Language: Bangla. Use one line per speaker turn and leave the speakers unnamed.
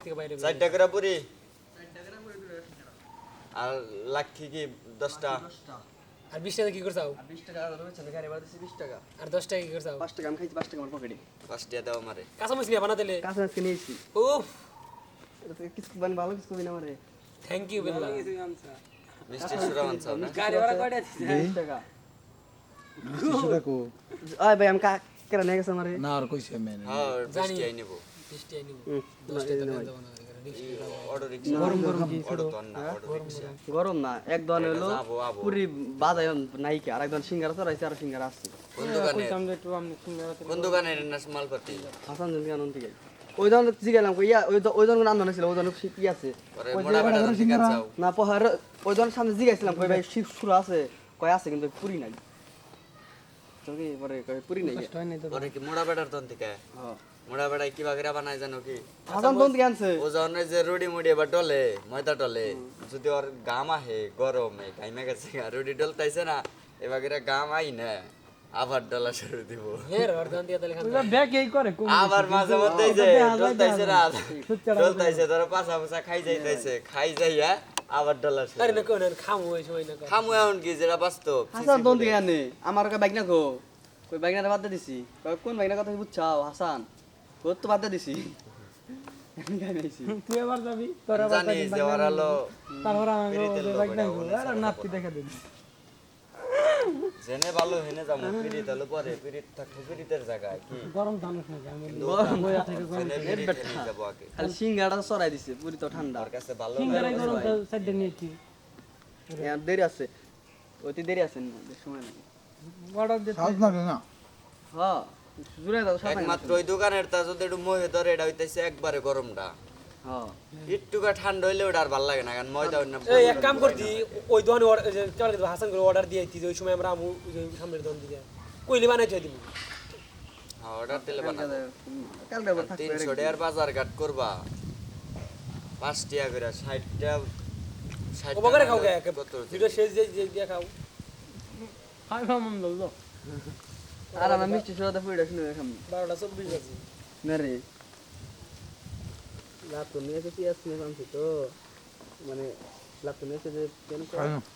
থেকে বাইরে
4টা করে পুরি আর লাক্ষি কি 10টা
আর 20 টাকা কি করছাও
20 টাকা আর রয়েছে গাড়ি ভাড়া দিছি 20 টাকা
আর 10 টাকা কি করছাও
5 টাকা আমি খাইছি 5 টাকা আমার পকেটে
5টা দাও আমারে
কাঁচা মরিচ নিয়ে বানাতেলে
কাছে আজকে নিয়েছি
উফ
এটা থেকে কিছু বান ভালো কিছু কবি না আমারে
থ্যাংক ইউ বিল্লাহ
মিষ্টি সুরা মানছাও না
গাড়ি ভাড়া কয়টা দিছিস 20 টাকা
সেটা কো
ওই ভাই আমি কেরা নিয়ে গেছে আমারে
না আর কইছে মেনে
হ্যাঁ
জানি।
20টাই নেব
20 টাকা নিব 10 টাকা দেব না
অটো রিকশা
গরম গরম কি
অটো তো না অটো রিকশা
গরম না এক দোকান হলো
যাবো, আবো।
পুরি বাজায় নাইকে আর একদম সিঙ্গারা চড়াইছে আর সিঙ্গারা আসছে
কোন দোকানের নাস মালপাতি
হাসান জনকে আনন্দ থেকে ওই দোকান জিগালাম কই ইয়া ওই দোকান আনন্দ ছিল ওই দোকান কি আছে
পরে মোড়া বেটা ঠিক আছে
না পহার ওই দোকান সামনে জিগাইছিলাম কই ভাই শিব সুরা আছে কই আছে কিন্তু পুরি নাই তোকে পরে কই পুরি নাই
পরে কি মোড়া বেটার তন থেকে
হ্যাঁ
মোড়া বেটায় কি বাগেরা বানায় জানো কি
হাসান দোকান থেকে আনছে
ও জনে যে রুডি মুডি এবার ডলে ময়দা ডলে যদি ওর গাম আহে গরমে গাইমা গেছে রুডি ডলতাইছে না এবাগেরা গাম আই না আবার ডলা শুরু দিব
হের অর্ধান দিয়ে তাহলে খান
ব্যাগ এই করে
আবার মাঝে মধ্যে যে ডলতাইছে না ডলতাইছে ধরো পাছা পাছা খাই যাইতাইছে খাই যাইয়া আবার ডলা শুরু
আরে না কোন খামু ওই সময় না
খামু এখন কি যেটা বাস্তব
হাসান দোকান থেকে আনে আমার কই বাইক না গো কই বাইক না বাদ দিছি কই কোন বাইক না কথা বুঝছাও হাসান তোর তো বাদ দিছি আমি গাই নাইছি
তুই এবার যাবি তোরা
জানি যে ওরা হলো
তারপর আমি
পিরিতের লোক
বাইক নাই
ওটা
আর নাতি দেখা দিন
জেনে ভালো হেনে যাবো পিরিত হলো পরে পিরিত থাকবো পিরিতের জায়গায় কি
গরম জানিস না আমি
গরম
বইয়া থেকে গরম
জেনে পিরিত হেনে যাবো আগে
খালি সিঙ্গাড়া চড়াই দিছে পুরি তো ঠান্ডা
ওর কাছে ভালো
সিঙ্গারাই গরম সাইড নিয়েছি
আর দেরি আছে অতি দেরি আছে না বেশ সময় নাই
অর্ডার দিতে
সাজ না না
হ্যাঁ জুড়ে দাও সাথে
একমাত্র ওই দোকানের তা যদি একটু মহে ধরে এটা হইতেছে একবারে গরমটা
হ্যাঁ
একটুকা ঠান্ডা হইলে ওটা আর ভালো লাগে না কারণ ময়দা অন্য
এই এক কাম করতি ওই দোকানে চলে দিবা হাসান করে অর্ডার দিয়ে দিই ওই সময় আমরা আমু সামনের দোকান দিয়ে কইলি বানাই থই দিবি
হ্যাঁ অর্ডার দিলে বানাবো
কালকে আবার থাকবে
300 টাকার বাজার ঘাট করবা 5 টাকা করে 60 টাকা 60
ওবারে খাও গে
কত
ভিডিও শেষ যে দিয়ে খাও
হাই মামুন ললো
আর আমরা মিষ্টি সোডা পুরিটা শুনে দেখাম
12টা 24 বাজে
না রে লাভ তো নিয়ে এসে পিয়াজ কিনে আনছি তো মানে লাভ তো নিয়ে এসে যে কেন